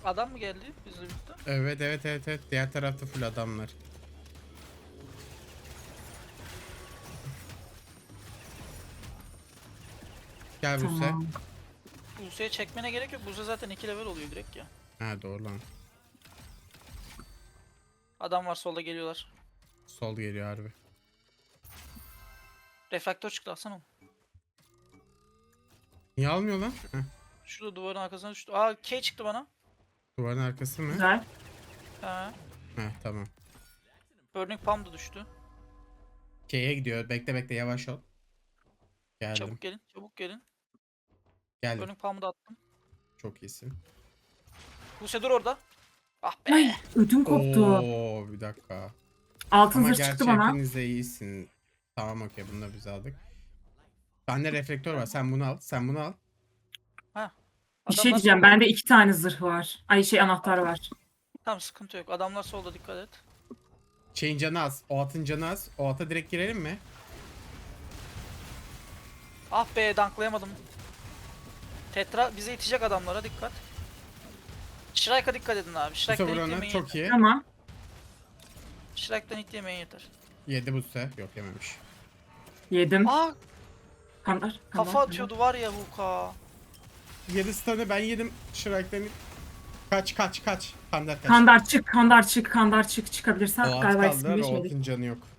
Adam mı geldi bizle birlikte? Evet evet evet evet. Diğer tarafta full adamlar. Gel Buse. Tamam. Buse'ye çekmene gerek yok. Buse zaten 2 level oluyor direkt ya. Ha doğru lan. Adam var solda geliyorlar. Sol geliyor harbi. Refraktör çıktı alsana onu. Niye almıyor lan? Heh, Şurada duvarın arkasına düştü. Aa K çıktı bana. duvarın arkası mı? Güzel. Ha. Heh tamam. Burning Palm da düştü. K'ye gidiyor. Bekle bekle yavaş ol. Geldim. Çabuk gelin. Çabuk gelin. Geldim. Burning Palm'ı da attım. Çok iyisin. Buse dur orada. Ah be. Ay ödüm koptu. Oo bir dakika. Altın Ama zırh çıktı gerçi bana. hepiniz de iyisin. Tamam okey bunu da biz aldık. Bende reflektör var. Sen bunu al. Sen bunu al. Ha. Bir şey Adamlar diyeceğim. solda. Bende 2 tane zırh var. Ay şey anahtar var. Tamam sıkıntı yok. Adamlar solda dikkat et. Şeyin canı az. O atın canı az. O ata direkt girelim mi? Ah be danklayamadım. Tetra bize itecek adamlara dikkat. Shrike'a dikkat edin abi. Bu Shrike'den sefer hit ona yemeyin çok yeter. iyi. Tamam. Shrike'den hit yemeyin yeter. Yedi bu sefer. Yok yememiş. Yedim. Aa Kandar. kafa atıyordu var ya Huka. Yedi stun'ı ben yedim. Shrike'den kaç kaç kaç. Kandar kaç. Kandar çık, kandar çık, kandar çık. O Çıkabilirsen at galiba kaldılar. ismini O geçmedik. atın canı yok.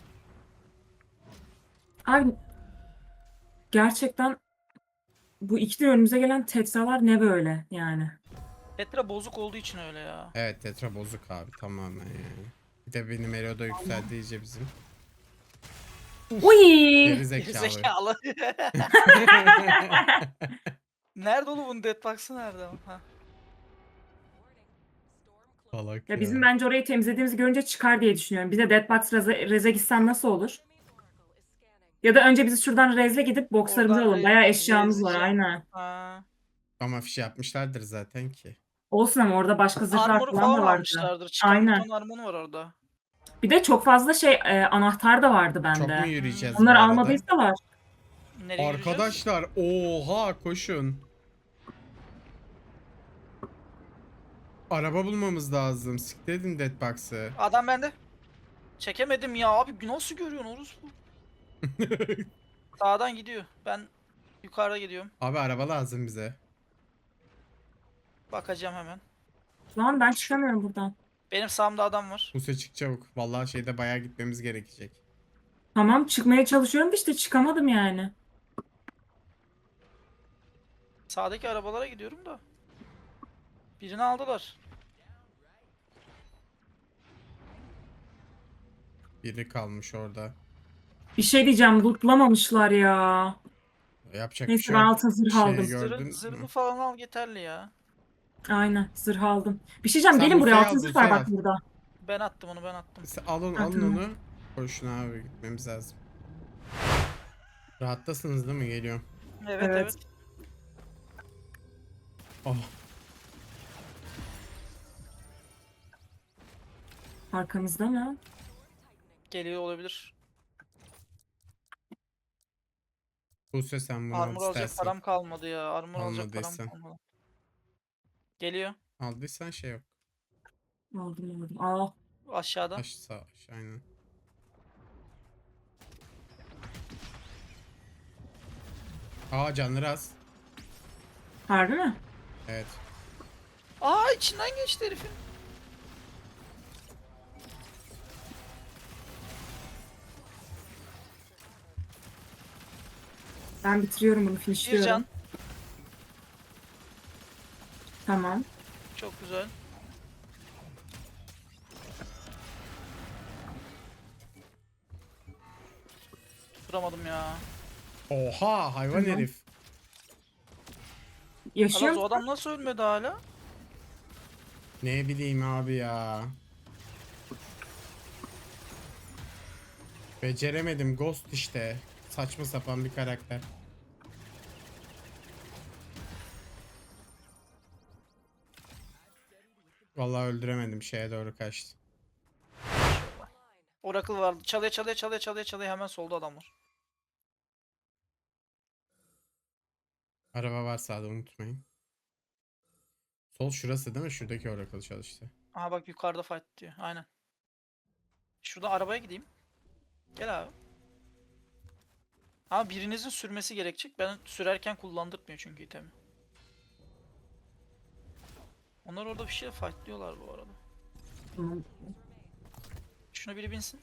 Abi gerçekten bu ikili önümüze gelen tetralar ne böyle yani? Tetra bozuk olduğu için öyle ya. Evet tetra bozuk abi tamamen yani. Bir de benim Elo'da yükseldi iyice bizim. Uy! Geri zekalı. Gerizekalı. Nerede oğlum bunun deadbox'ı nerede? Ha. Salak Ya ya. bizim bence orayı temizlediğimizi görünce çıkar diye düşünüyorum. Bize Deadbox Rez'e gitsen nasıl olur? Ya da önce biz şuradan Rez'e gidip boxlarımızı Oradan alalım. Bayağı eşyamız var rezleyeceğim. aynen. Ha. Ama fiş yapmışlardır zaten ki. Olsun ama orada başka zırhlar Armor'u falan falan da vardı. almışlardır. Çıkan bir Aynen. ton armor var orada. Bir de çok fazla şey anahtar da vardı Çok mu bende. yürüyeceğiz bu Onları arada? almadıysalar. Nereye yürüyeceğiz? Arkadaşlar oha koşun. Araba bulmamız lazım. Sikledin Deadbox'ı. Adam bende. Çekemedim ya abi nasıl görüyorsun orospu? Sağdan gidiyor. Ben yukarıda gidiyorum. Abi araba lazım bize. Bakacağım hemen. Lan ben çıkamıyorum buradan. Benim sağımda adam var. Buse çık çabuk. Vallahi şeyde bayağı gitmemiz gerekecek. Tamam çıkmaya çalışıyorum da işte çıkamadım yani. Sağdaki arabalara gidiyorum da. Birini aldılar. Biri kalmış orada. Bir şey diyeceğim lootlamamışlar ya. Yapacak bir Neyse şey ben yok. altın zırh Şeyi aldım. gördün Zırhını mü? falan al yeterli ya. Aynen zırh aldım. Bir şey diyeceğim Sen gelin buraya Buse'yi altın al, zırh var Buse'yi al. bak burada. Ben attım onu ben attım. Alın Ha, alın tamam. onu. Koşun abi gitmemiz lazım. Rahattasınız değil mi? Geliyorum. Evet Evet. evet. Oh. Arkamızda mı? Geliyor olabilir. Buse sen bunu al Armor alacak istersen. param kalmadı ya. Armor alacak param Almadıysan. kalmadı. Geliyor. Aldıysan şey yok. Aldım aldım. Aa, Aşağıda. Aşağı aynen. Aa canları az. harbi mi? Evet. Aa içinden geçti herifin. Ben bitiriyorum bunu Bir finishliyorum. can. Tamam. Çok güzel. Tutturamadım ya. Oha hayvan Tamam. herif. Yaşıyor Alaz o musun? adam nasıl ölmedi hala? Ne bileyim abi ya. Beceremedim Ghost işte. Saçma sapan bir karakter. Vallahi öldüremedim şeye doğru kaçtı. Oracle vardı. Çalıyor çalıyor çalıyor çalıyor çalıyor hemen solda adam var. Araba var sağda unutmayın. Sol şurası değil mi? Şuradaki Oracle çalıştı. Aha bak yukarıda fight diyor. Aynen. Şurada arabaya gideyim. Gel abi. Ama birinizin sürmesi gerekecek. Ben sürerken kullandırmıyor çünkü itemi. Onlar orada bir şey fightlıyorlar bu arada. Tamam. Şuna biri binsin.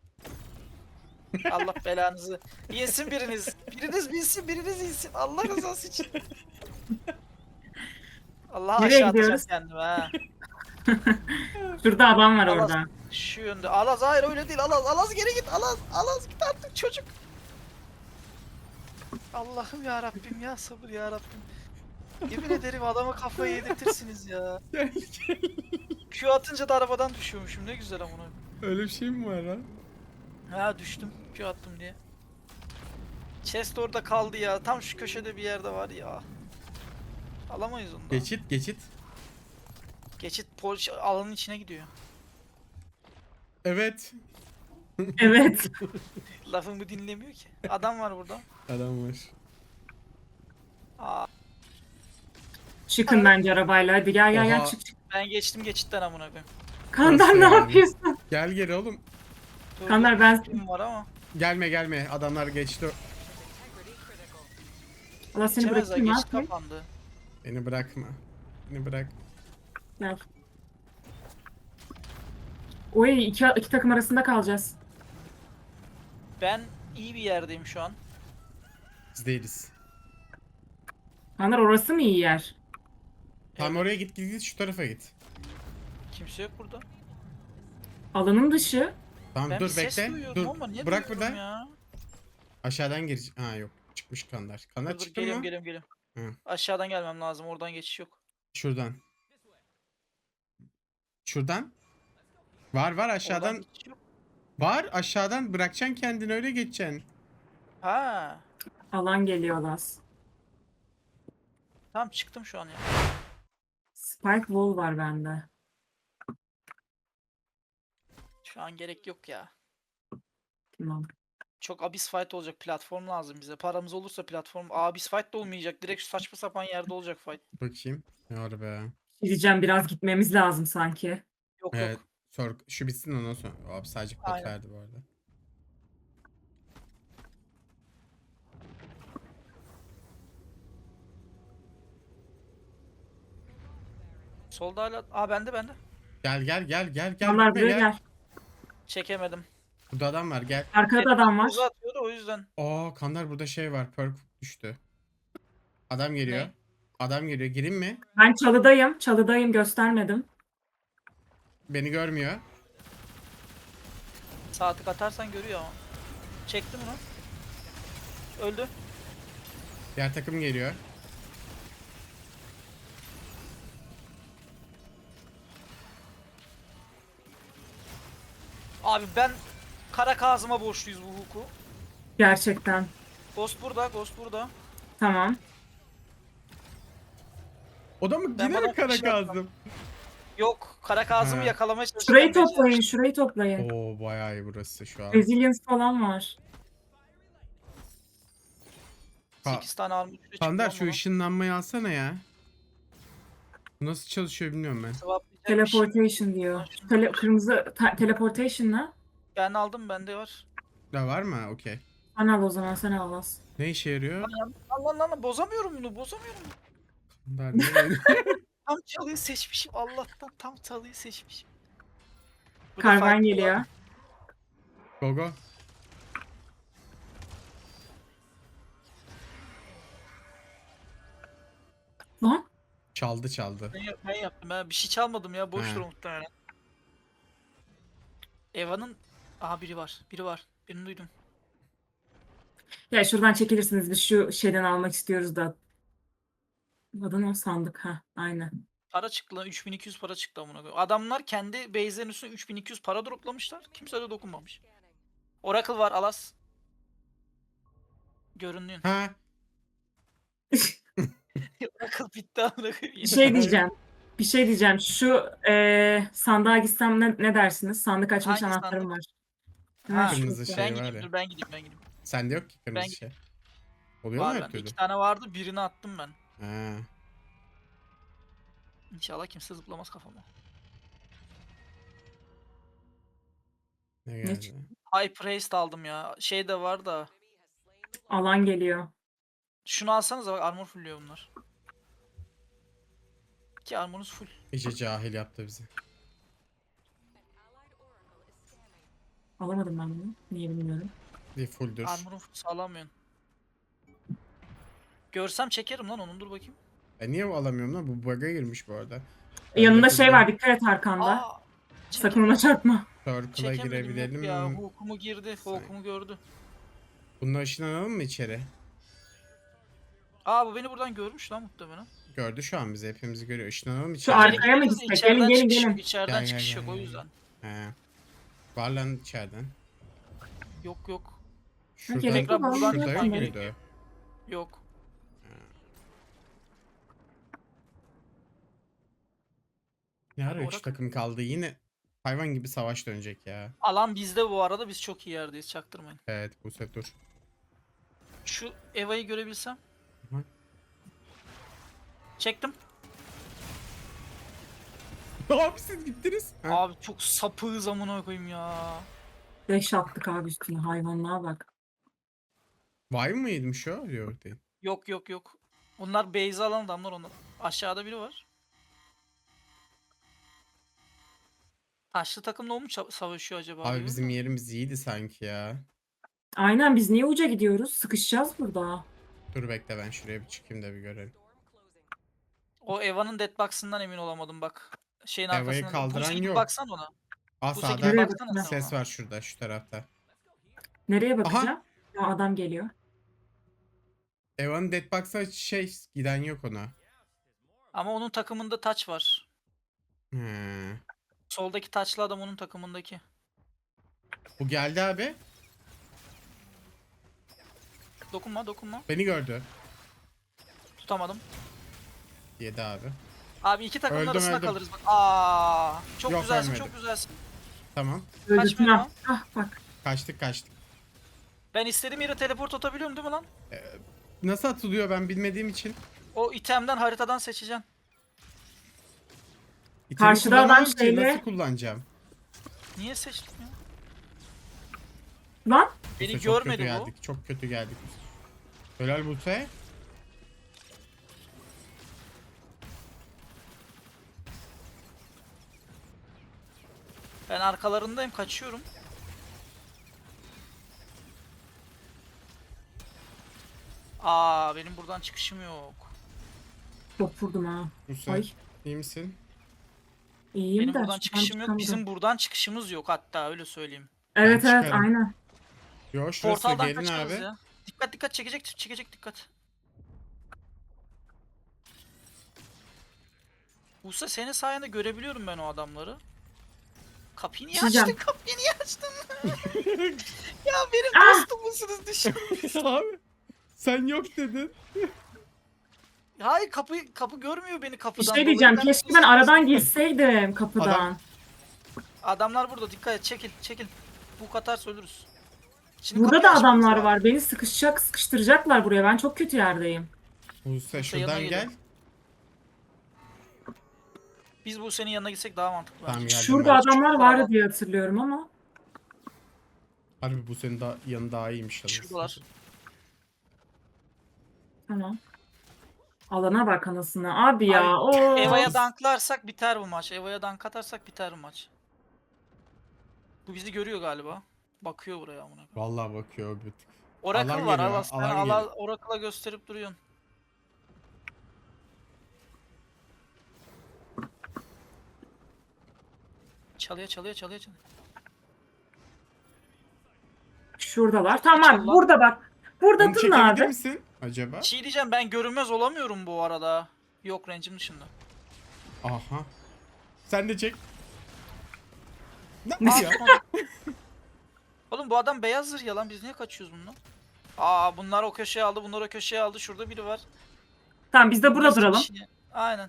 Allah belanızı. Binsin biriniz. Biriniz binsin, biriniz insin. Allah rızası için. Allah Nereye aşağı gidiyoruz? atacağım kendimi ha. Şurada adam var Alaz. orada. Şu yönde. Alaz hayır öyle değil. Alaz. Alaz geri git. Alaz. Alaz git artık çocuk. Allah'ım ya Rabbim ya sabır ya Rabbim. Yemin ederim adama kafayı yedirtirsiniz ya. Gel gel. Q atınca da arabadan düşüyormuşum. Ne güzel amına. Öyle bir şey mi var lan? Ha düştüm. Q attım diye. Chest orada kaldı ya. Tam şu köşede bir yerde var ya. Alamayız onu da. Geçit geçit. Geçit alanın içine gidiyor. Evet. Evet. Lafımı dinlemiyor ki. Adam var burada. Adam var. Aa, Çıkın bence arabayla. Hadi gel gel gel Oha. çık çık. ben geçtim geçitten amına koyayım. Kandar Nasıl ne yani? yapıyorsun? Gel geri oğlum. Dur, Kandar ben... kim var ama. Gelme gelme. Adamlar geçti. Allah seni Geçemez ha bırakayım geçit abi. kapandı. Beni bırakma. Beni bırak. Gel. Oy iki takım arasında kalacağız. Ben iyi bir yerdeyim şu an. Biz değiliz. Kandar orası mı iyi yer? Tam oraya git git git şu tarafa git. Kimse yok burada. Alanın dışı. Tamam Ben dur bir ses bekle. duyuyordum Dur. ama niye Bırak duyuyorum burada. ya? Aşağıdan gir. Ha yok. Çıkmış Kandar. Kandar Dur, dur, çıktı geliyorum mı? geliyorum geliyorum. Hı. Aşağıdan gelmem lazım. Oradan geçiş yok. Şuradan. Şuradan. Var var Oradan aşağıdan. geçiş yok. Var aşağıdan bırakacaksın kendini öyle geçeceksin. Ha. Alan geliyor Las. Tamam çıktım şu an ya. Spike wall var bende. Şu an gerek yok ya. Tamam. Çok abyss fight olacak. Platform lazım bize. Paramız olursa platform. Abyss fight da olmayacak. Direkt şu saçma sapan yerde olacak fight. Bakayım. Ne var be. Diyeceğim biraz gitmemiz lazım sanki. Yok Evet. yok. Şu bitsin ondan sonra. Abi sadece pot Aynen. verdi bu arada. Solda hala. Aa bende bende. Gel gel gel gel gel Onlar gitme buraya gel. gel. Çekemedim. Burada adam var gel. Arkada da adam var. Uza atıyordu o yüzden. Aa Kandar burada şey var. Perk düştü. Adam geliyor. Ne? Adam geliyor. Gireyim mi? Ben çalıdayım. Çalıdayım göstermedim. Beni görmüyor. Sağ tık atarsan görüyor ama. Çektim onu. Öldü. Diğer takım geliyor. Abi ben Kara Kazım'a borçluyuz bu huku. Gerçekten. Ghost burada, Ghost burada. Tamam. O da mı? Ben Yine bana mi kara bir şey yapmam. kazdım? Yok, Kara Kazım'ı Ha. yakalamaya çalışırken Şurayı becerdim. toplayın. Şurayı toplayın. Oo bayağı iyi burası şu an. Resilience falan var. 8 tane armut üstü Kandar çıktı şu ışınlanmayı alsana ya. Bu nasıl çalışıyor bilmiyorum ben. Teleportation diyor. Kırmızı teleportation ne? Ben aldım, bende var. Da var mı? Okey. Sen al o zaman sen al Las. Ne işe yarıyor? Allah bozamıyorum bunu, bozamıyorum. Kandar ne? Tam çalıyı seçmişim, Allah'tan tam çalıyı seçmişim. Burada Karvan fight geliyor. var. Go go. Lan Çaldı çaldı. Ben yaptım, ben bir şey çalmadım ya, boştur He. muhtemelen. Eva'nın... Aha biri var, biri var. Birini duydum. ya şuradan çekilirsiniz biz şu şeyden almak istiyoruz da. Adı ne o sandık ha aynen. Para çıktı lan, 3200 para çıktı amına koyayım. Adamlar kendi base'lerin üstüne 3200 para droplamışlar. Kimse de dokunmamış. Oracle var, Alas. Göründüğün. Ha Oracle bitti amına koyayım. Bir şey diyeceğim. Bir şey diyeceğim. Şu sandığa gitsem ne dersiniz? Sandık açmış Hangi anahtarım sandık? var. Ha, Kırmızı şey ben var gideyim, ya. dur ben gideyim, ben gideyim. Sende yok ki kırmızı Ben- şey. Oluyor mu Var her bende. türlü? 2 tane vardı, birini attım ben. Ha. İnşallah kimse zıplamaz kafama. Ne Ne geldi? Hyper haste aldım ya. Şey de var da. Alan geliyor. Şunu alsanıza bak, armor fullüyor bunlar. Ki armorunuz full. İyice cahil yaptı bizi. Alamadım ben bunu. Niye bilmiyorum. Bir fulldür. Armorun full sağlamıyorsun. Görsem çekerim lan onun, dur bakayım. Niye alamıyorum lan? Bu bug'a girmiş bu arada. Yanında Öyle şey bir var, dikkat et arkanda. Aa! Sakın ona çarpma. Circle'a Çekemedim, yok ya. girebilelim. Hukumu girdi. Hukumu gördü. Bununla ışınlanalım mı içeri? Aa, bu beni buradan görmüş lan muhtemelen. Gördü şu an bizi. Hepimizi görüyor. Işınlanalım mı Şu içeri? arkaya mı Gireriz de gitsek? içeriden Gelin, gelin, çıkış yok, gelin. İçeriden Gel, çıkış gel, yok gel, o gel. yüzden. He. Var lan içeriden. Yok yok. Şuradan, gerek yok, şurada buradan yok çıkman muydu? gerekiyor. Yok. Ne ara 3 Orada- takım kaldı? Yine hayvan gibi savaş dönecek ya. Alan bizde bu arada, biz çok iyi yerdeyiz, çaktırmayın. Evet Buse dur. Şu Eva'yı görebilsem. Hı. Çektim. Abi siz gittiniz. Ha. Abi çok sapığız amına koyayım ya. 5 attık abi üstüne, hayvanlığa bak. Vay mı yedmiş o? Yok değil. Yok yok yok. Bunlar base alan adamlar onlar. Aşağıda biri var. Taşlı takımla o mu savaşıyor acaba? Abi diyorum bizim da. yerimiz iyiydi sanki ya. Aynen, biz niye uca gidiyoruz? Sıkışacağız burada. Dur bekle ben şuraya bir çıkayım da bir görelim. O Eva'nın deadbox'ından emin olamadım bak. Şeyin Eva'yı arkasında. kaldıran Buse gidip yok. baksana ona. Aa Buse sağda gidip Nereye baksana bakacağım? sen ses ona. var şurada şu tarafta. Nereye bakacağım? Ya adam geliyor. Eva'nın deadbox'a giden yok ona. Ama onun takımında taç var. He. Soldaki taçlı adam onun takımındaki. Bu geldi abi. Dokunma dokunma. Beni gördü. Tutamadım. Yedi abi. Abi iki takımın Öldüm, arasında öldüm. kalırız bak. Aa, çok Yok, güzelsin, ölmedim. çok güzelsin. Tamam. Öldürdüm. lan. Ah bak. Kaçtık. Ben istediğim yere teleport atabiliyorum değil mi lan? Nasıl atılıyor ben bilmediğim için. O itemden, haritadan seçeceksin. İtemi Karşıda adam kullanamam ki, şeyle- nasıl kullanacağım? Niye seçtim ya? Lan. Beni Buse, çok görmedi kötü bu. geldik. Çok kötü geldik. Helal Buse. Ben arkalarındayım, kaçıyorum. Aa, benim buradan çıkışım yok. Çok vurdum ha. Buse Ay. iyi misin? İyiyim Benim de. buradan şuradan çıkışım yok. çıkamadım. Bizim buradan çıkışımız yok hatta, öyle söyleyeyim. Evet Ben evet çıkarım. aynen. Yo şurası Portaldan gelin kaçarız abi. ya. Dikkat dikkat, çekecek dikkat. Buse, senin sayende görebiliyorum ben o adamları. Kapıyı niye Çizeceğim. açtın? Kapıyı niye açtın? Ya benim Ah! dostum musunuz, düşün. Abi sen yok dedin. Hayır, kapı görmüyor beni Bir kapıdan. şey diyeceğim. dolayı. Keşke ben aradan girseydim kapıdan. Adamlar burada, dikkat et, çekil. Bu katarsa ölürüz. Şimdi Burada kapıyı da açmamız adamlar lazım. var. Beni sıkıştıracaklar buraya. Ben çok kötü yerdeyim. Buse yanına şuradan geliyor. gel. Biz bu senin yanına gitsek daha mantıklı Tamam, bence. geldim Şurada ben. adamlar Çok vardı kalabalık. diye hatırlıyorum ama. Harbi Buse'nin yanı daha iyiymiş. aslında. Şuradalar. Tamam. Alana bak anasını. Abi ya. O. Eva'ya danklarsak biter bu maç. Eva'ya dank atarsak biter bu maç. Bu bizi görüyor galiba. Bakıyor buraya amına koyayım. Vallahi bakıyor bir tık. Oracle Alan var. geliyor, Sen alan geliyor. Oracle'a gösterip duruyorsun. Çalıyor. Şuradalar. Tamam. Çal lan. Burada bak. Burada Onu durun çekebilir abi. misin acaba? Bir şey diyeceğim, ben görünmez olamıyorum bu arada. Yok, range'im dışında. Aha. Sen de çek. Ne Ne? ya? Oğlum bu adam beyaz zırh ya lan, biz niye kaçıyoruz bundan? Aa, bunlar o köşeye aldı, bunlar o köşeye aldı. Şurada biri var. Tamam biz de burada Biz duralım. kişi- Aynen.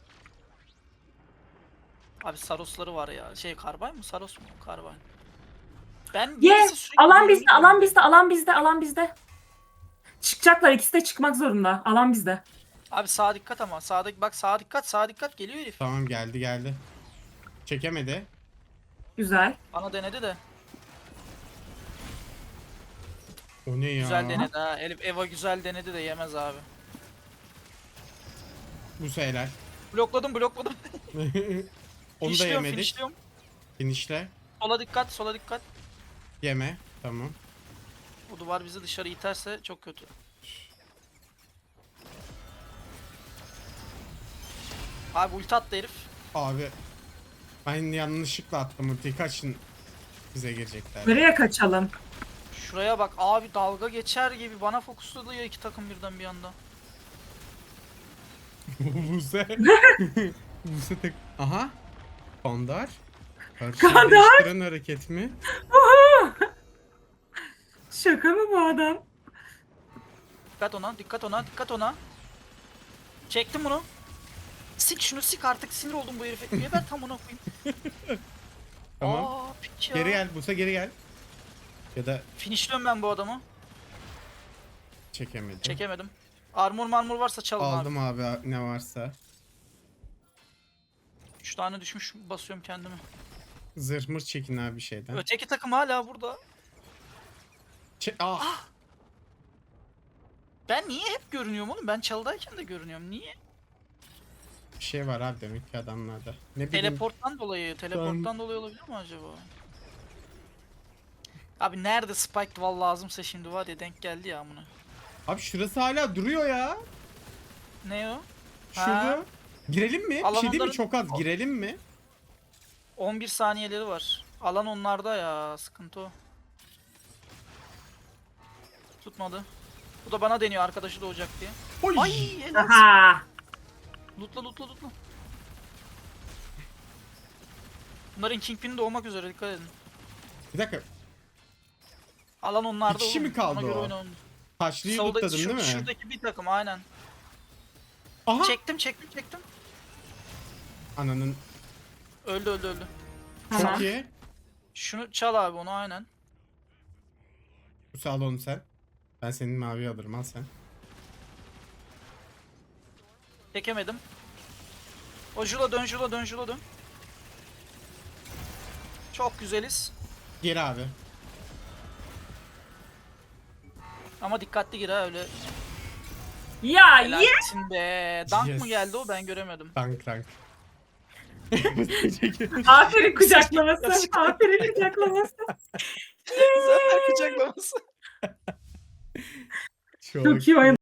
Abi Sarosları var ya. Karbay mı? Saros mu? Karbay. Ben Ye. birisi sürekli Alan görünüyor. bizde. Alan bizde. Alan bizde. Alan bizde. Çıkacaklar. İkisi de çıkmak zorunda. Alan bizde. Abi sağa dikkat ama. Sağdaki bak, sağa dikkat, sağa dikkat, geliyor herif. Tamam geldi. Çekemedi. Güzel. Bana denedi de. O ne ya? Güzel denedi ha. Elif Eva güzel denedi de yemez abi. Bu helal. Blokladım. Onu da Finishliyorum, yemedik. finishliyorum. Finişle. Sola dikkat, sola dikkat. Yeme. Tamam. Bu duvar bizi dışarı iterse çok kötü. Abi ulti attı herif. Abi. Ben yanlışlıkla attım ultiyi. Kaçın. Bize girecekler. Nereye kaçalım? Şuraya bak abi, dalga geçer gibi bana fokusladı ya iki takım birden bir anda. Buse. Buse tek. Aha. Kandar. Kandar! Değiştiren hareket mi? Şaka mı bu adam? Dikkat ona, dikkat ona, dikkat ona. Çektim bunu. Sik şunu, sik artık, sinir oldum bu herife. Niye ben tam ona koyayım? Tamam. Aa piç ya. Geri gel Buse, geri gel. Ya da Finishliyorum ben bu adamı. çekemedim. Çekemedim. Armor varsa çalın abi. Aldım abi ne varsa. 3 tane düşmüş, basıyorum kendimi. Zırh mır çekin abi bir şeyden. Öteki takım hala burada. Ah. Ben niye hep görünüyorum oğlum? Ben çalıdayken de görünüyorum. Niye? Bir şey var abi demek ki adamlarda. Ne bileyim. Teleporttan dolayı olabilir mi acaba? Abi nerede Spike Wall lazımsa şimdi var ya, denk geldi ya amına. Abi şurası hala duruyor ya. Ne o? Şurada. Ha. Girelim mi? Bir Alan şey değil mi? onların- Çok az. Girelim mi? 11 saniyeleri var. Alan onlarda ya, sıkıntı o. Tutmadı. Bu da bana deniyor arkadaşı doğacak diye. Oy. Ay helal. Aha. Lootla. Bunların Kingpin'i doğmak üzere, dikkat edin. Bir dakika. Alan onlarda Bir kişi oğlum. mi kaldı Ona göre o? oynayın. Taşlıyı Solda, lootladın değil mi? şuradaki bir takım aynen. Aha. Çektim. Ananın. Öldü. Çok Tamam. iyi. Şunu çal abi, onu aynen. Bu sağ ol onu sen. Ben senin mavi alırım, al sen. Çekemedim. O Jula dön. Çok güzeliz. Geri abi. Ama dikkatli gir ha, öyle. Ya ye. Helalsin be. Dank Yes. mı geldi o, ben göremedim. Rank. Aferin kucaklaması. Aferin kucaklaması. Zaten kucaklaması. Çok iyi oyun.